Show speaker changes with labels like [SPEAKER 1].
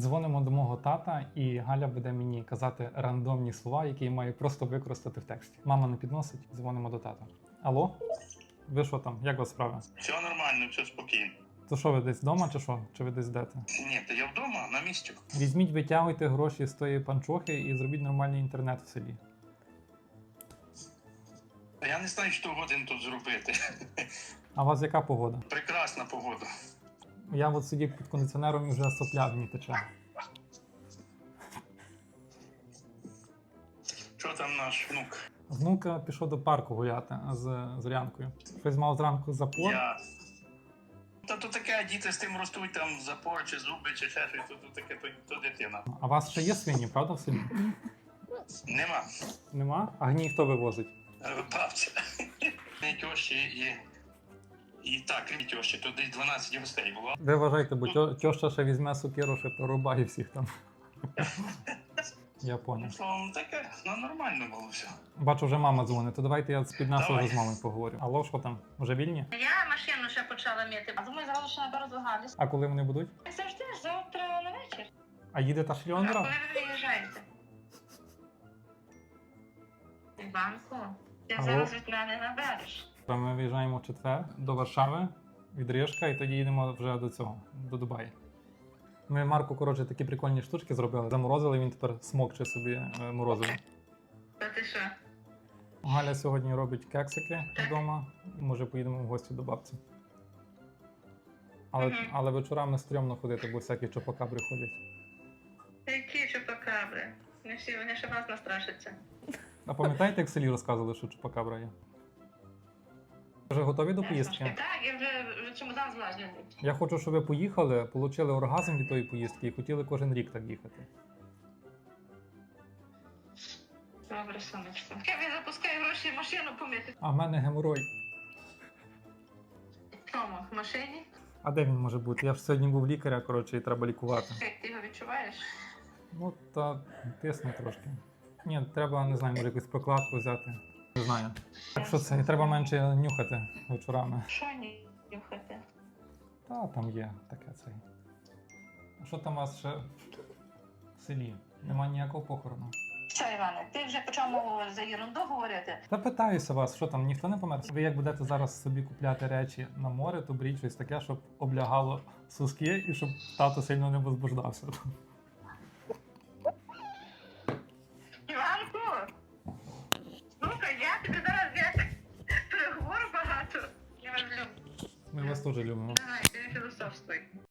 [SPEAKER 1] Дзвонимо до мого тата, і Галя буде мені казати рандомні слова, які я маю просто використати в тексті. Мама не підносить, дзвонимо до тата. Алло? Ви що там? Як у вас справа?
[SPEAKER 2] Все нормально, все спокійно.
[SPEAKER 1] То що, ви десь вдома чи що? Чи ви десь йдете?
[SPEAKER 2] Ні, то я вдома, на місці.
[SPEAKER 1] Візьміть, витягуйте гроші з тої панчохи і зробіть нормальний інтернет в селі.
[SPEAKER 2] Я не знаю, що годин тут зробити.
[SPEAKER 1] А у вас яка погода?
[SPEAKER 2] Прекрасна погода.
[SPEAKER 1] Я от сидів під кондиціонером і вже сопля мені тече.
[SPEAKER 2] Що там наш внук?
[SPEAKER 1] Внук пішов до парку гуляти з Зорянкою. Щось мав зранку запор.
[SPEAKER 2] Та то таке, діти з тим ростуть, там запор, чи зуби, чи ще щось, то таке, то дитина.
[SPEAKER 1] А у вас ще є свині, правда, в селі?
[SPEAKER 2] Нема.
[SPEAKER 1] Нема? А гній хто вивозить?
[SPEAKER 2] Бабця. Не тьощі і так, крім тьощі, то десь 12 гостей було.
[SPEAKER 1] Ви вважайте, бо тьоща ще візьме сокиру, ще порубає всіх там. Я понял.
[SPEAKER 2] Словом, таке, нормально було все.
[SPEAKER 1] Бачу, вже мама дзвонить, то давайте я під нашого
[SPEAKER 2] Давай.
[SPEAKER 1] з мамою поговорю. Алло, що там? Вже вільні?
[SPEAKER 3] Я машину ще почала мити. А думаю, зразу ще наберу до Галі.
[SPEAKER 1] А коли вони будуть?
[SPEAKER 3] Як завжди, завтра на вечір.
[SPEAKER 1] А їде та
[SPEAKER 3] А
[SPEAKER 1] шльондра?
[SPEAKER 3] коли ви виїжджаєте? Іванко, ти
[SPEAKER 1] Алло?
[SPEAKER 3] зараз від мене набереш.
[SPEAKER 1] Ми виїжджаємо в четвер до Варшави від Рижка і тоді їдемо вже до цього, до Дубаї. Ми Марку, коротше, такі прикольні штучки зробили. Заморозили, він тепер смокче собі морозиво.
[SPEAKER 3] Та ти що?
[SPEAKER 1] Галя сьогодні робить кексики вдома і може поїдемо в гості до бабці. Але вечорами стрьомно ходити, бо всякі чопакабри ходять.
[SPEAKER 3] Які чупакабри? Не всі, вони ще вас настрашаться.
[SPEAKER 1] А пам'ятаєте, як в селі розказували, що чупакабра є? Вже готові до поїздки?
[SPEAKER 3] Так, я вже чемодан зважений.
[SPEAKER 1] Я хочу, щоб ви поїхали, отримали оргазм від тої поїздки і хотіли кожен рік так їхати.
[SPEAKER 3] Добре, сонечко. Я запускаю гроші в машину помити.
[SPEAKER 1] А в мене геморой.
[SPEAKER 3] В чому? В машині?
[SPEAKER 1] А де він може бути? Я ж сьогодні був лікаря, коротше, і треба лікувати.
[SPEAKER 3] Як ти його відчуваєш?
[SPEAKER 1] Ну, та тисне трошки. Ні, треба, не знаю, може якусь прокладку взяти. Не знаю. Так що це, і треба менше нюхати вечорами.
[SPEAKER 3] Що нюхати?
[SPEAKER 1] Та там є таке цей. А що там у вас ще в селі? Нема ніякого похорону.
[SPEAKER 3] Що, Іване, ти вже почав мову за ерунду говорити?
[SPEAKER 1] Та питаюся вас, що там, ніхто не помер? Ви як будете зараз собі купляти речі на море, то беріть щось таке, щоб облягало соски і щоб тато сильно не возбуждався.
[SPEAKER 3] Іванку! Слухай, я тобі зараз переговорю багато. Я вас люблю.
[SPEAKER 1] Ми вас теж любимо.
[SPEAKER 3] Давай, ти філософствуй.